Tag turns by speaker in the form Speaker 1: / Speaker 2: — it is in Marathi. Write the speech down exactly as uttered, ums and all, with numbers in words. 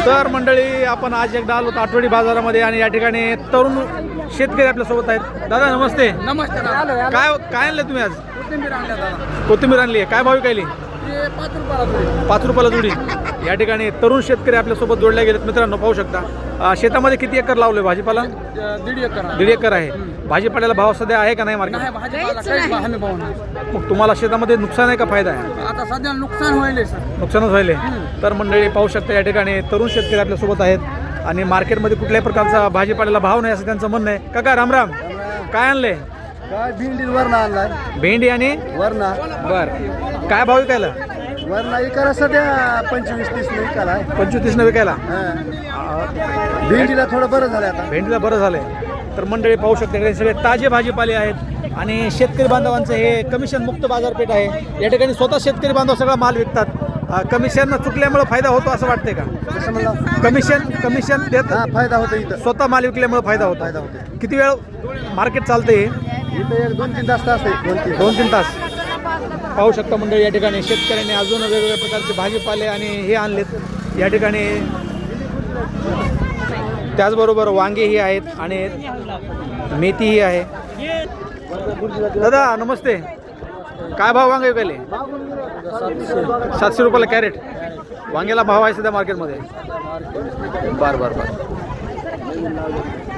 Speaker 1: तर मंडळी आपण आज एकदा आलो आठवडी बाजारामध्ये आणि या ठिकाणी तरुण शेतकरी आपल्या सोबत आहेत. दादा नमस्ते.
Speaker 2: नमस्ते.
Speaker 1: काय काय आणलं तुम्ही आज?
Speaker 2: कोथिंबीर आणल्या दादा.
Speaker 1: कोथिंबीर आणली आहे. काय भाव विकायली?
Speaker 2: ते पाच रुपयाला जोडी.
Speaker 1: पाच रुपयाला जोडी. या ठिकाणी तरुण शेतकरी आपल्यासोबत जोडले गेलेत. मित्रांनो पाहू शकता अं, शेतामध्ये किती एकर लावले भाजीपाला?
Speaker 2: दीड एकर आहे.
Speaker 1: दीड एकर आहे. भाजीपाल्याला भाव सध्या आहे का नाही मार्केट?
Speaker 2: नाही भाजीपाला काहीच हमी भाव नाही.
Speaker 1: मग तुम्हाला शेतामध्ये नुकसान आहे का फायदा आहे?
Speaker 2: आता सध्या नुकसान व्हायले सर.
Speaker 1: नुकसानच व्हायले. तर मंडळी पाहू शकता या ठिकाणी तरुण शेतकरी आपल्यासोबत आहेत आणि मार्केटमध्ये कुठल्याही प्रकारचा भाजीपाल्याला भाव नाही असं त्यांचं म्हणणं आहे. काका रामराम, काय आणले?
Speaker 2: काय भेंडी वरणा आणलाय.
Speaker 1: भेंडी आणि
Speaker 2: वरणा
Speaker 1: बर काय भाव विकायला?
Speaker 2: वरणा इकाला सध्या पंचवीस तीस न इकाला.
Speaker 1: पंचवीस तीस न विकायला.
Speaker 2: भेंडीला थोडं बरं झालं आता.
Speaker 1: भेंडीला बरं झालंय. तर मंडळी पाहू शकता इकडे सगळे ताजे भाजीपाले आहेत आणि शेतकरी बांधवांचं हे कमिशन मुक्त बाजारपेठ आहे. या ठिकाणी स्वतः शेतकरी बांधव सगळा माल विकतात. कमिशन चुकल्यामुळे फायदा होतो असं वाटतंय का?
Speaker 2: कसं म्हणलं?
Speaker 1: कमिशन कमिशन देत
Speaker 2: हा फायदा होतो इथं.
Speaker 1: स्वतः माल विकल्यामुळे फायदा होतो.
Speaker 2: फायदा होतो.
Speaker 1: किती वेळ मार्केट चालते?
Speaker 2: इथं एक दोन तीन तास असते. दोन तीन
Speaker 1: दोन तीन तास. पाहू शकता मंडळी या ठिकाणी शेतकऱ्यांनी अजून वेगवेगळ्या प्रकारचे भाजीपाले आणि हे आणलेत या ठिकाणी. त्याचबरोबर वांगेही आहेत आणि मेथीही आहे. दादा नमस्ते, काय भाव वांगे विकायले? सातशे रुपयाला कॅरेट. वांग्याला भाव आहे सध्या मार्केटमध्ये? बर बर बर.